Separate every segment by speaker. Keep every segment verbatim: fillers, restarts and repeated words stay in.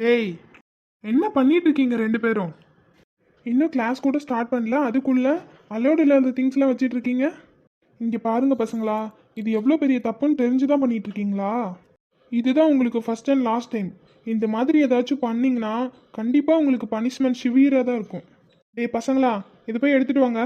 Speaker 1: ஏய், என்ன பண்ணிட்டு இருக்கீங்க ரெண்டு பேரும்? இன்னும் கிளாஸ் கூட ஸ்டார்ட் பண்ணல, அதுக்குள்ள அலோடு இல்லாத திங்ஸ்லாம் வச்சிட்டு இருக்கீங்க. இங்கே பாருங்க பசங்களா, இது எவ்வளோ பெரிய தப்புன்னு தெரிஞ்சுதான் பண்ணிட்டு இருக்கீங்களா? இதுதான் உங்களுக்கு ஃபர்ஸ்ட் அண்ட் லாஸ்ட் டைம். இந்த மாதிரி ஏதாச்சும் பண்ணீங்கன்னா கண்டிப்பாக உங்களுக்கு பனிஷ்மெண்ட் சிவியராக தான் இருக்கும். டேய் பசங்களா, இது போய் எடுத்துட்டு வாங்க.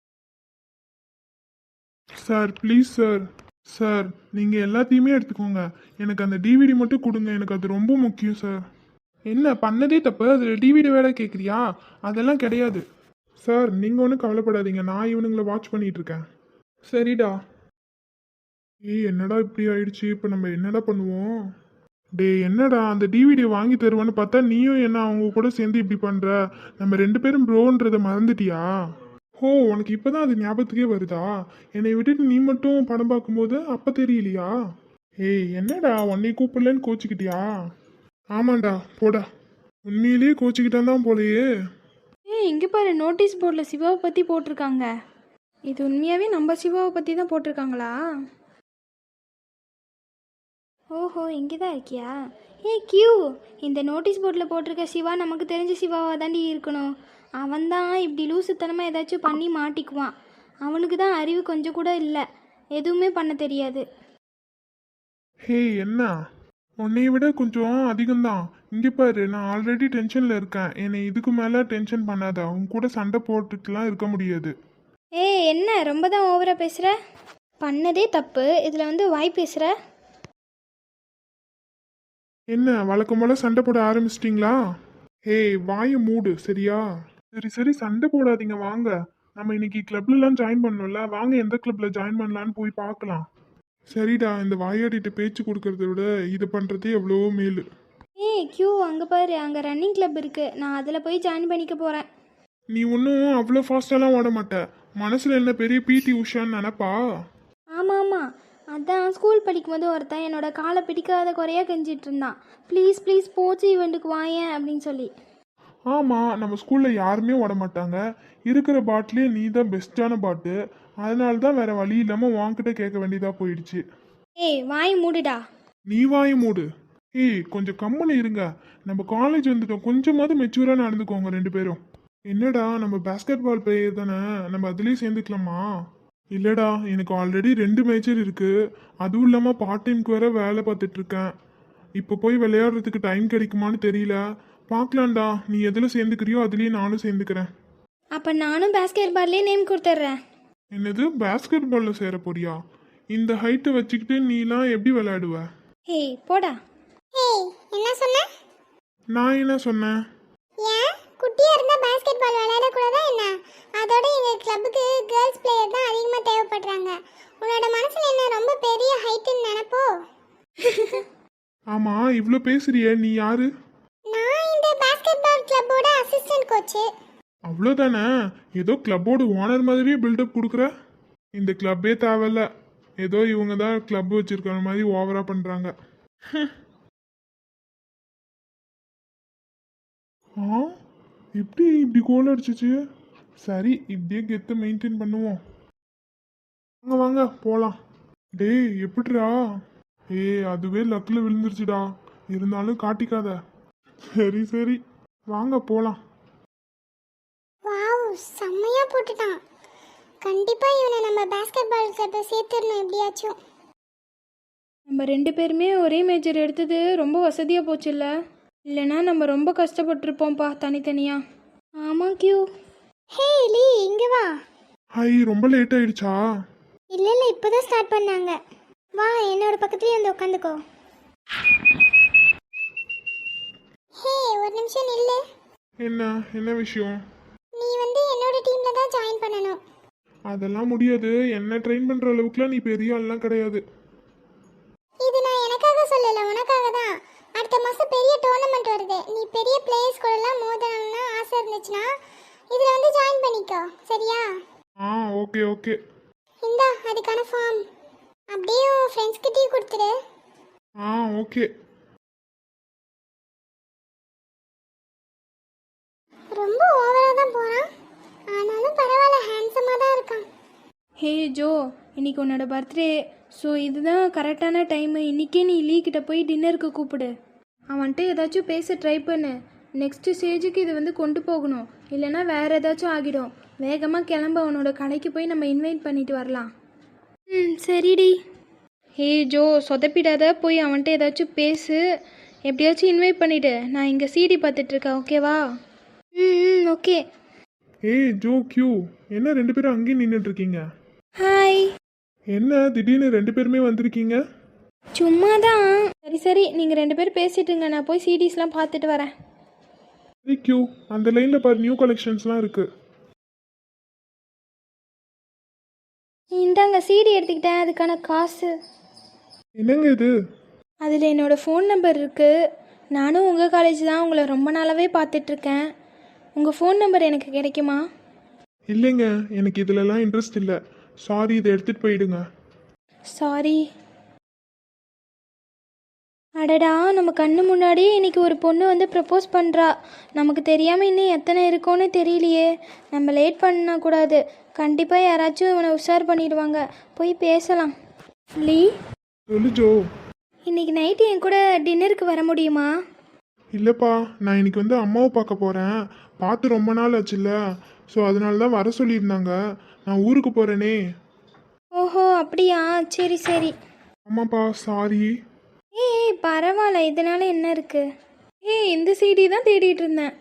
Speaker 1: Sir please sir. சார் நீங்கள் எல்லாத்தையுமே எடுத்துக்கோங்க, எனக்கு அந்த டிவிடி மட்டும் கொடுங்க, எனக்கு அது ரொம்ப முக்கியம் சார். என்ன பண்ணதே தப்பு, அதில் டிவிடி வேலை கேட்குறியா? அதெல்லாம் கிடையாது சார். நீங்கள் ஒன்றும் கவலைப்படாதீங்க, நான் இவனுங்களை வாட்ச் பண்ணிட்டு இருக்கேன். சரிடா. ஏய் என்னடா இப்படி ஆயிடுச்சு, இப்போ நம்ம என்னடா பண்ணுவோம்? டே என்னடா, அந்த டிவிடி வாங்கி தருவான்னு பார்த்தா நீயும் என்ன அவங்க கூட சேர்ந்து இப்படி பண்ணுற? நம்ம ரெண்டு பேரும் ப்ரோன்றதை மறந்துட்டியா? ஓ, உனக்கு இப்போதான் அது ஞாபகத்துக்கே வருதா? என்னை விட்டுட்டு நீ மட்டும் படம் பார்க்கும்போது அப்போ தெரியலையா? ஏய் என்னடா, உன்னை கூப்பிடலன்னு கோச்சிக்கிட்டியா? ஆமாண்டா போடா, உண்மையிலேயே கோச்சிக்கிட்டான் தான் போலையே.
Speaker 2: ஏய் இங்கே பாரு, நோட்டீஸ் போர்டில் சிவாவை பற்றி போட்டிருக்காங்க. இது உண்மையாகவே நம்ம சிவாவை பற்றி தான் போட்டிருக்காங்களா? ஓஹோ, இங்கே தான் இருக்கியா? ஏ கியூ, இந்த நோட்டீஸ் போர்டில் போட்டிருக்க சிவா நமக்கு தெரிஞ்ச சிவாவாக தாண்டி இருக்கணும். அவன் தான் இப்படி லூசுத்தனமாக ஏதாச்சும் பண்ணி மாட்டிக்குவான். அவனுக்கு தான் அறிவு கொஞ்சம் கூட இல்லை, எதுவுமே பண்ண தெரியாது.
Speaker 1: ஹே என்ன, உன்னை விட கொஞ்சம் அதிகம்தான். இங்கே பாரு, நான் ஆல்ரெடி டென்ஷனில் இருக்கேன், என்னை இதுக்கு மேலே டென்ஷன் பண்ணாத. அவன் கூட சண்டை போட்டுட்டுலாம் இருக்க முடியாது.
Speaker 2: ஏய் என்ன ரொம்ப தான் ஓவராக பேசுகிற? பண்ணதே தப்பு, இதில் வந்து வாய் பேசுகிற.
Speaker 1: என்ன வழக்கம் போல சண்டை போட ஆரம்பிச்சிட்டிங்களா? ஹேய் வாயை மூடு சரியா? சரி சரி சண்டை போடாதீங்க, வாங்க. நம்ம இன்னைக்கு கிளப்லலாம் ஜாயின் பண்ணணும்ல, வாங்க எந்த கிளப்ல ஜாயின் பண்ணலான்னு போய் பார்க்கலாம். சரிடா, இந்த வாயாடிட்டு பேச்சு கொடுக்கறத விட இதை பண்ணுறதே எவ்வளவோ மேலு.
Speaker 2: ஏய் கியூ, அங்கே பாரு, அங்கே ரன்னிங் கிளப் இருக்குது, நான் அதில் போய் ஜாயின் பண்ணிக்க போகிறேன்.
Speaker 1: நீ ஒன்றும் அவ்வளோ ஃபாஸ்ட்டாலாம் ஓட மாட்ட, மனசில் என்ன பெரிய பிடி உஷான்னு நினப்பா?
Speaker 2: ஆமாம் ஆமாம், அதான் ஸ்கூல் படிக்கும்போது ஒருத்தன் என்னோட காலை பிடிக்காத குறையாக கெஞ்சிட்டு இருந்தான். ப்ளீஸ் ப்ளீஸ் ஸ்போர்ட்ஸ் ஈவெண்ட்டுக்கு வாயேன் அப்படின்னு சொல்லி.
Speaker 1: ஆமாம், நம்ம ஸ்கூலில் யாருமே ஓட மாட்டாங்க, இருக்கிற பாட்டிலே நீ தான் பெஸ்ட்டான பாட்டு. அதனால தான் வேற வழி இல்லாமல் வாங்கிட்ட கேட்க வேண்டியதாக போயிடுச்சு.
Speaker 2: ஏய் வாய் மூடுடா.
Speaker 1: நீ வாய் மூடு. ஏய் கொஞ்சம் கம்முன்னு இருங்க, நம்ம காலேஜ் வந்துட்டோம், கொஞ்சமாவது மெச்சூராக நடந்துக்கோங்க ரெண்டு பேரும். என்னடா நம்ம பேஸ்கெட் பால் பிளேயர் தானே, நம்ம அதுலேயே சேர்ந்துக்கலாமா? இல்லைடா, எனக்கு ஆல்ரெடி ரெண்டு மேஜர் இருக்குது, அதுவும் இல்லாமல் பார்ட் டைம்க்கு வேற வேலை பார்த்துட்டு இருக்கேன். இப்போ போய் விளையாடுறதுக்கு டைம் கிடைக்குமான்னு தெரியல, பார்க்கலாம்டா. நீ எதில் சேர்ந்துக்கிறியோ அதுலேயே நானும் சேர்ந்துக்கிறேன்.
Speaker 2: அப்போ நானும் பேஸ்கெட் பால்லே நேம் கொடுத்துட்றேன்.
Speaker 1: என்னது, பேஸ்கெட் பாலில் சேர போறியா? இந்த ஹைட்டை வச்சுக்கிட்டு நீலாம் எப்படி விளையாடுவ?
Speaker 2: ஏய் போடா.
Speaker 3: ஏய் என்ன சொன்ன?
Speaker 1: நான் என்ன சொன்னேன்?
Speaker 3: ஏன் குட்டியா இருந்தா பாஸ்கெட் பால் விளையாட கூடாதா என்ன? அதோட எங்க கிளப்புக்கு கேர்ள்ஸ் பிளேயர் தான் அதிகமா தேவைப்படுறாங்க. உன்னோட மனசுல என்ன ரொம்ப பெரிய ஹைட்னு நினைப்போ?
Speaker 1: ஆமா, இவ்வளோ பேசுறிய, நீ யாரு?
Speaker 3: நான் இந்த பாஸ்கெட் பால் கிளப்போட அசிஸ்டன்ட் கோச்.
Speaker 1: அவ்வளோதானே, ஏதோ கிளப்போட ஓனர் மாதிரியே பில்டப் கொடுக்குற. இந்த கிளப்பே தேவையில்ல, ஏதோ இவங்க தான் கிளப் வச்சிருக்கிற மாதிரி ஓவரா பண்றாங்க. ஆ எப்படி இப்படி கோல் அடிச்சிச்சு? சரி, இப்படியே கெத்து மெயின்டைன் பண்ணுவோம். வாங்க வாங்க போலாம். டேய் எப்படிடா? ஏய் அதுவே லக்கில் விழுந்துருச்சுடா, இருந்தாலும் காட்டிக்காத. சரி சரி வாங்க போலாம்.
Speaker 3: வாவ், செம்மையா போட்டுட்டான். கண்டிப்பா இவனை நம்ம பாஸ்கெட் பால் கிளப்ல சேர்த்துடணும் எப்படியாச்சும்.
Speaker 2: நம்ம ரெண்டு பேருமே ஒரே மேஜர் எடுத்தது ரொம்ப வசதியாக போச்சுல்ல, இல்லைனா நம்ம ரொம்ப கஷ்டப்பட்டுருப்போம்ப்பா தனித்தனியாக. ஆமாம் கியூ.
Speaker 3: ஹே லீ, இங்க வா.
Speaker 1: ஹாய், ரொம்ப லேட் ஆயிடுச்சா?
Speaker 3: இல்ல இல்ல, இப்போதான் ஸ்டார்ட் பண்ணாங்க. வா என்னோட பக்கத்துலயே வந்து உட்காந்துக்கோ. ஹே ஒரு நிமிஷம் நில்லு.
Speaker 1: என்ன என்ன விஷயம்?
Speaker 3: நீ வந்து என்னோட டீம்ல தான் ஜாயின் பண்ணணும்.
Speaker 1: அதெல்லாம் முடியாது, என்ன ட்ரெயின் பண்ற அளவுக்குலாம் நீ பெரிய ஆள்லாம் கிடையாது.
Speaker 3: இது நான் எனக்காக சொல்லல, உனக்காக தான். அடுத்த மாசம் பெரிய டோர்னமெண்ட் வருது, நீ பெரிய பிளேயர்ஸ் கூட எல்லாம் மோதணும்னு ஆசை இருந்துச்சுன்னா இதுல வந்து ஜாயின் பண்ணிக்கோ, சரியா?
Speaker 1: ஆ ஓகே ஓகே.
Speaker 3: இந்தா அதுக்கான ஃபார்ம், அப்படியே உன் ஃப்ரெண்ட்ஸ் கிட்டயும் கொடுத்துரு.
Speaker 1: ஆ ஓகே.
Speaker 3: ரொம்ப ஓவரா தான் போறான், ஆனாலும் பரவாயில்ல, ஹேண்ட்ஸமா தான் இருக்கான்.
Speaker 2: ஹே ஜோ, இன்னைக்கு உன்னோட பர்த்டே, ஸோ இதுதான் கரெக்டான டைமு. இன்றைக்கே நீ லீ கிட்ட போய் டின்னருக்கு கூப்பிடு. அவன்கிட்ட ஏதாச்சும் பேச ட்ரை பண்ணு. நெக்ஸ்ட்டு ஸ்டேஜுக்கு இது வந்து கொண்டு போகணும், இல்லைன்னா வேறு ஏதாச்சும் ஆகிடும். வேகமாக கிளம்ப, அவனோட கடைக்கு போய் நம்ம இன்வைட் பண்ணிட்டு வரலாம். ம் சரிடி. ஹே ஜோ, சொதப்பிடாத, போய் அவன்கிட்ட ஏதாச்சும் பேசு, எப்படியாச்சும் இன்வைட் பண்ணிவிடு. நான் இங்கே சிடி பார்த்துட்ருக்கேன், ஓகேவா? ம் ஓகே.
Speaker 1: ஏய் ஜோ, கியூ, என்ன ரெண்டு பேரும் அங்கேயும் நின்றுட்டு இருக்கீங்க?
Speaker 2: ஹாய்.
Speaker 1: என்ன திடீர்னு ரெண்டு பேருமே வந்திருக்கீங்க?
Speaker 2: சும்மா தான். சரி சரி, நீங்கள் ரெண்டு பேரும் பேசிட்டுங்க, நான் போய் சிடிஸ்லாம் பார்த்துட்டு வரேன்.
Speaker 1: சரி கியூ, அந்த லைனில் பாரு, நியூ கலெக்ஷன்ஸ்லாம் இருக்குது.
Speaker 2: இந்தாங்க சிடி எடுத்துக்கிட்டேன், அதுக்கான காசு.
Speaker 1: என்னங்க இது?
Speaker 2: அதில் என்னோடய ஃபோன் நம்பர் இருக்குது. நானும் உங்கள் காலேஜ் தான், உங்களை ரொம்ப நாளாகவே பார்த்துட்ருக்கேன். உங்கள் ஃபோன் நம்பர் எனக்கு கிடைக்குமா?
Speaker 1: இல்லைங்க, எனக்கு இதிலலாம் இன்ட்ரெஸ்ட் இல்லை. சாரி, இதை எடுத்துகிட்டு போயிடுங்க.
Speaker 2: சாரி. அடடா, நம்ம கண்ணு முன்னாடியே இன்னைக்கு ஒரு பொண்ணு வந்து ப்ரப்போஸ் பண்ணுறா. நமக்கு தெரியாமல் இன்னும் எத்தனை இருக்கோன்னு தெரியலையே. நம்ம லேட் பண்ணக்கூடாது, கண்டிப்பாக யாராச்சும் இவனை உஷார் பண்ணிடுவாங்க. போய் பேசலாம். லீ,
Speaker 1: சொல்லு ஜோ.
Speaker 2: இன்னைக்கு நைட்டு என் கூட டின்னருக்கு வர முடியுமா?
Speaker 1: இல்லைப்பா, நான் இன்னைக்கு வந்து அம்மாவை பார்க்க போகிறேன். பார்த்து ரொம்ப நாள் ஆச்சுல்ல, ஸோ அதனால தான் வர சொல்லியிருந்தாங்க. நான் ஊருக்கு போகிறேனே.
Speaker 2: ஓஹோ அப்படியா, சரி சரி.
Speaker 1: ஆமாப்பா, சாரி.
Speaker 2: ஏய் பரவாயில்ல, இதனால என்ன இருக்கு? ஏய், இந்த சிடி தான் தேடிட்டு இருந்தேன்.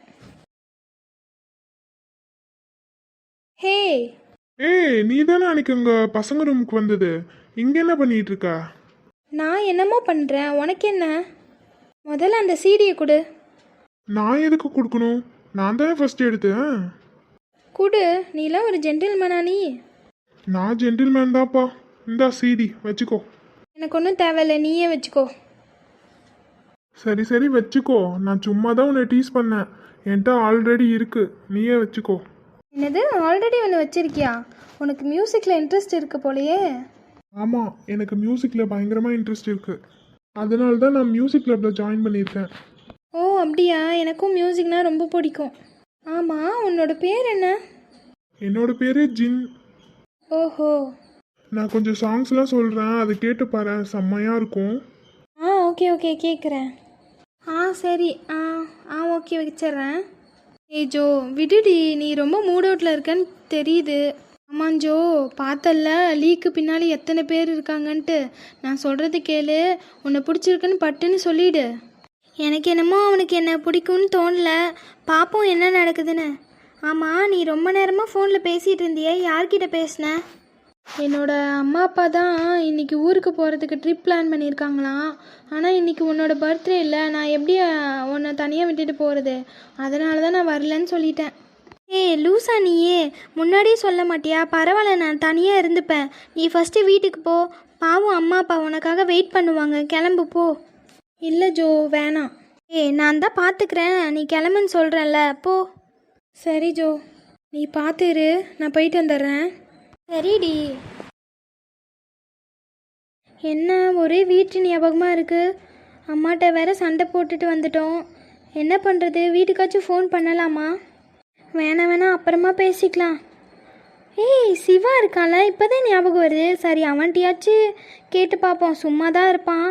Speaker 2: ஹே,
Speaker 1: ஏய், நீ தானே அன்னைக்கு உங்கள் பசங்க ரூமுக்கு வந்தது. இங்கே என்ன பண்ணிட்டு இருக்க?
Speaker 2: நான் என்னமோ பண்ணுறேன், உனக்கு என்ன? முதல்ல அந்த சிடியை கொடு.
Speaker 1: நான் எதுக்கு கொடுக்கணும்? நான் தானே ஃபர்ஸ்ட் எடுத்தேன்.
Speaker 2: கொடு, நீலாம் ஒரு ஜென்டில்மேனா நீ?
Speaker 1: நான் ஜென்டில்மேன் தான்ப்பா. இந்தா சிடி வச்சுக்கோ.
Speaker 2: எனக்கு ஒன்றும் தேவையில்ல, நீயே வச்சுக்கோ.
Speaker 1: சரி சரி வச்சுக்கோ. நான் சும்மா தான் உன்னை டீஸ் பண்ணேன். என்கிட்ட ஆல்ரெடி இருக்கு, நீயே வச்சுக்கோ.
Speaker 2: என்னது, ஆல்ரெடி ஒன்று வச்சிருக்கியா? உனக்கு மியூசிக்கில் இன்ட்ரெஸ்ட் இருக்கு போலையே.
Speaker 1: ஆமாம், எனக்கு மியூசிக்கில் பயங்கரமாக இன்ட்ரெஸ்ட் இருக்குது. அதனால தான் நான் மியூசிக் கிளப்பில் ஜாயின் பண்ணியிருக்கேன்.
Speaker 2: ஓ அப்படியா, எனக்கும் மியூசிக்னா ரொம்ப பிடிக்கும். ஆமாம், உன்னோட பேர் என்ன?
Speaker 1: என்னோட பேர் ஜின்.
Speaker 2: ஓஹோ.
Speaker 1: நான் கொஞ்சம் சாங்ஸ்லாம் சொல்கிறேன், அதை கேட்டு பாரு, செம்மையாக இருக்கும்.
Speaker 2: ஆ ஓகே ஓகே, கேட்குறேன். ஆ சரி, ஆ ஆ ஓகே வச்சிட்றேன். ஏய் ஜோ, விடுடி, நீ ரொம்ப மூட் அவுட்டில் இருக்கன்னு தெரியுது. ஆமாம் ஜோ, பார்த்தல்ல லீக்கு பின்னாடி எத்தனை பேர் இருக்காங்கன்ட்டு. நான் சொல்கிறது கேளு, உன்னை பிடிச்சிருக்குன்னு பட்டுன்னு சொல்லிடு. எனக்கு என்னமோ அவனுக்கு என்ன பிடிக்கும்னு தோணல, பார்ப்போம் என்ன நடக்குதுன்னு. ஆமாம், நீ ரொம்ப நேரமாக ஃபோனில் பேசிகிட்டு இருந்தியே, யார்கிட்ட பேசின? என்னோட அம்மா அப்பா தான் இன்றைக்கி ஊருக்கு போகிறதுக்கு ட்ரிப் பிளான் பண்ணியிருக்காங்களாம். ஆனால் இன்றைக்கி உன்னோட பர்த்டே இல்லை, நான் எப்படி உன்னை தனியாக விட்டுட்டு போகிறது? அதனால தான் நான் வரலன்னு சொல்லிட்டேன். ஏய் லூசா நீயே, முன்னாடியே சொல்ல மாட்டியா? பரவாயில்ல, நான் தனியாக இருந்துப்பேன். நீ ஃபஸ்ட்டு வீட்டுக்கு போ, பாவம் அம்மா அப்பா உனக்காக வெயிட் பண்ணுவாங்க. கிளம்பு போ. இல்லை ஜோ, வேணாம். ஏய் நான் தான் பார்த்துக்கிறேன், நீ கிளம்புன்னு சொல்கிறேன்ல, போ. சரி ஜோ, நீ பார்த்துரு, நான் போயிட்டு வந்துடுறேன். சரிடி. என்ன ஒரே வீட்டு ஞாபகமாக இருக்குது. அம்மாட்ட வேற சண்டை போட்டுட்டு வந்துட்டோம். என்ன பண்ணுறது, வீட்டுக்காச்சும் ஃபோன் பண்ணலாமா? வேணாம் வேணாம், அப்புறமா பேசிக்கலாம். ஏய் சிவா இருக்கான்ல, இப்போதான் ஞாபகம் வருது. சரி, அவன்கிட்டயாச்சும் கேட்டு பார்ப்போம், சும்மா தான் இருப்பான்.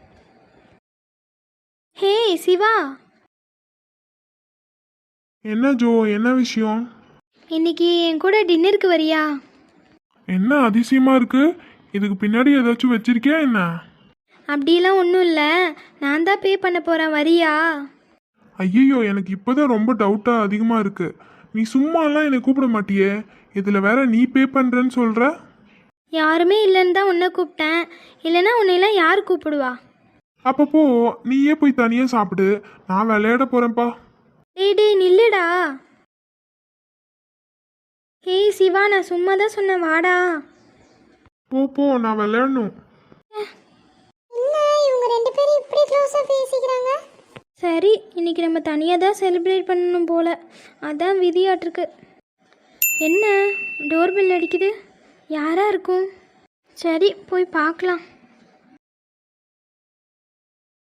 Speaker 2: ஹே சிவா.
Speaker 1: என்ன ஜோ, என்ன விஷயம்?
Speaker 2: இன்னைக்கு என் கூட டின்னருக்கு வரியா?
Speaker 1: என்ன அதிசயமாக இருக்குது? இதுக்கு பின்னாடி ஏதாச்சும் வச்சிருக்கியா என்ன?
Speaker 2: அப்படிலாம் ஒன்றும் இல்லை, நான் தான் பே பண்ண போகிறேன், வரியா?
Speaker 1: ஐயோ, எனக்கு இப்போதான் ரொம்ப டவுட்டாக அதிகமாக இருக்குது. நீ சும்மாலாம் என்னை கூப்பிட மாட்டியே, இதில் வேற நீ பே பண்ணுறேன்னு சொல்கிற.
Speaker 2: யாருமே இல்லைன்னு தான் உன்னை கூப்பிட்டேன், இல்லைன்னா உன்னையெல்லாம் யார் கூப்பிடுவா?
Speaker 1: அப்பப்போ நீயே போய் தனியாக சாப்பிடு, நான் விளையாட போகிறேன்ப்பா.
Speaker 2: டேய் டேய் நில்லுடா. ஹேய் சிவா, நான் சும்மா தான் சொன்னேன், வாடா.
Speaker 1: போ போ, நான் விளையாடணும்.
Speaker 3: என்ன இவங்க ரெண்டு பேரும் இப்படி க்ளோஸா பேசிக்கிறாங்க?
Speaker 2: சரி, இன்னைக்கு நம்ம தனியாக தான் செலிப்ரேட் பண்ணணும் போல, அதான் விதியாட்டிருக்கு. என்ன டோர் பெல் அடிக்குது, யாரா இருக்கும்? சரி போய் பார்க்கலாம்.